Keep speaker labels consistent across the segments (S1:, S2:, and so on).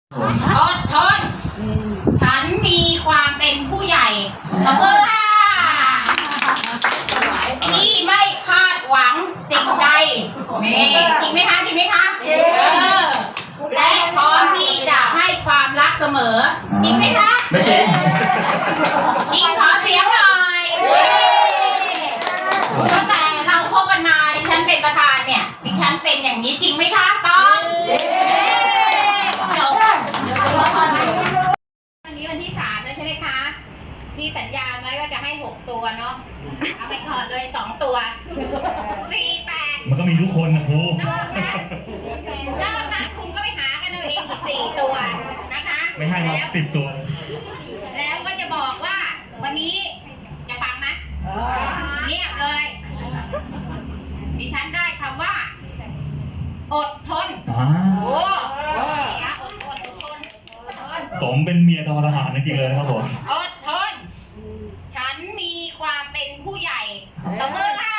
S1: อดทนฉันมีความเป็นผู้ใหญ่ตบมือค่ะที่ไม่คาดหวังสิ่งใดนี่จริงไหมคะจริงไหมคะและพร้อมที่จะให้ความรักเสมอจริงไหมคะ
S2: ไม่จริง
S1: จริงขอเสียงหน่อยตั้งแต่เราคบกันมาดิฉันเป็นประธานเนี่ยดิฉันเป็นอย่างนี้จริงไหมคะตอนจบวันนี้วันที่3แล้วใช่ไหมคะที่สัญญาไว้ว่าจะให้6ตัวเนาะเอาไปก่อนเลย2ตัว4 8
S2: มันก็มีทุกคนนะครู
S1: นอกนั้นคุณก็ไปหากันเอาเองอีก4ตัวนะคะ
S2: ไม่ให้ครับ10 ตัว
S1: แล้วก็จะบอกว่าวันนี้จะฟังไหมเงียบเลยดิฉันได้คำว่าอดทนโอ้อดทน
S2: สมเป็นเมียทหารจริงๆเลยนะครับผม
S1: อดทนฉันมีความเป็นผู้ใหญ่ตบมือค่ะ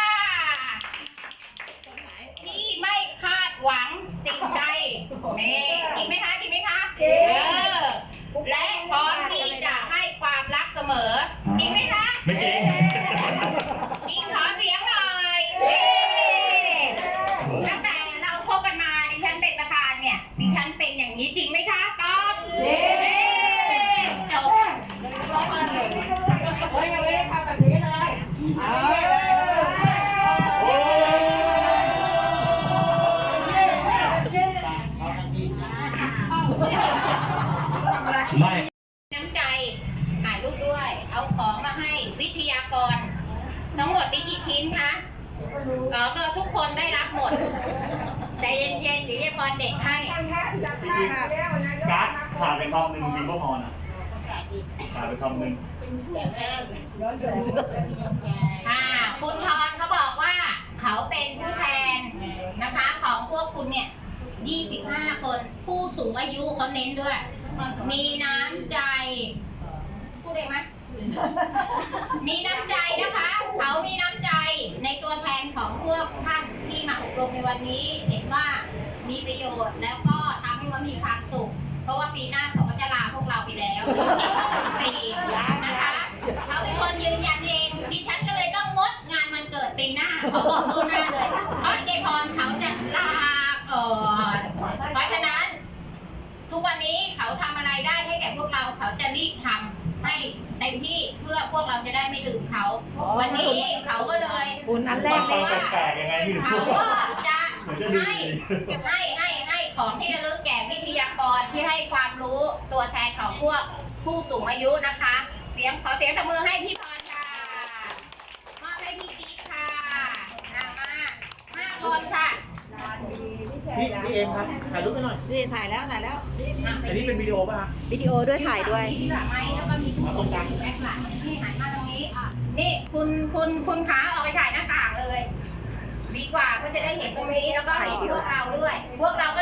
S1: ที่ไม่คาดหวังสิ่งใดนี่จริงไหมคะจริงไหมคะและพร้อมที่จะให้ความรักเสมอจริงไหมคะ
S2: ไม่จริง
S1: จริงขอเสียงหน่อยตั้งแต่เราคบกันมาดิฉันเป็นประธานเนี่ยดิฉันเป็นอย่างนี้จริงไหมคะตอบจบยังไม่ได้ทำแบบนี้เลย
S2: ไม่
S1: น้ำใจถ่ายรูปด้วยเอาของมาให้วิทยากรทั้งหมดมีกี่ชิ้นคะก็ทุกคนได้รับหมดใจเย็นๆเดี๋ยวจะพรเด็กให้
S2: การ์ดขาดไปคำหนึ่งจริงก็พอนะขาดไปคำหนึ่ง
S1: คุณพรเขาบอกว่าเขาเป็นผู้แทนนะคะของพวกคุณเนี่ย25 คนผู้สูงอายุเขาเน้นด้วย มีน้ำใจพูดได้ไหมมีน้ำใจนะคะเขามีน้ำใจในตัวแทนของพวกท่านที่มาอบรมในวันนี้เห็นว่ามีประโยชน์แล้วก็ทำให้เขามีความสุขเพราะว่าปีหน้าเขาก็จะลาพวกเราไปแล้วปีนะคะเขาเป็นคนยืนยันเองดิฉันก็เลยต้องงดงานวันเกิดปีหน้าเขาบอกล่วงหน้าเลยเพราะเจพรเขาจะลาเพราะฉะนั้นทุกวันนี้เขาทำอะไรได้ให้แก่พวกเราเขาจะรีบทำให้เต็มที่เพื่อพวกเราจะได้ไม่ลืมเขาวันนี้เขาก็เลย
S2: นั้นแรกเลยว่า
S1: เขาก็จะให้ของที่ระลึกแก่วิทยากรที่ให้ความรู้ตัวแทนของพวกผู้สูงอายุนะคะขอเสียงตบมือให้พี่พรค่ะมอบให้พี่กิ๊กค่ะมา5 คนค่ะ
S3: พี่เอ็มครับถ่ายรูปให้หน่อย
S4: นี่ถ่ายแล้ว
S3: อันนี้เป็นวิดีโอป่ะ
S4: วิดีโอด้วยถ่ายด้วย
S1: ที่หลังไม้แล้วก็มีทุกคนอยู่แบ็คหลังนี่หันมาตรงนี้นี่คุณขาออกไปถ่ายหน้าต่างเลยดีกว่าก็จะได้เห็นตรงนี้แล้วก็เห็นพวกเราด้วยพวกเรา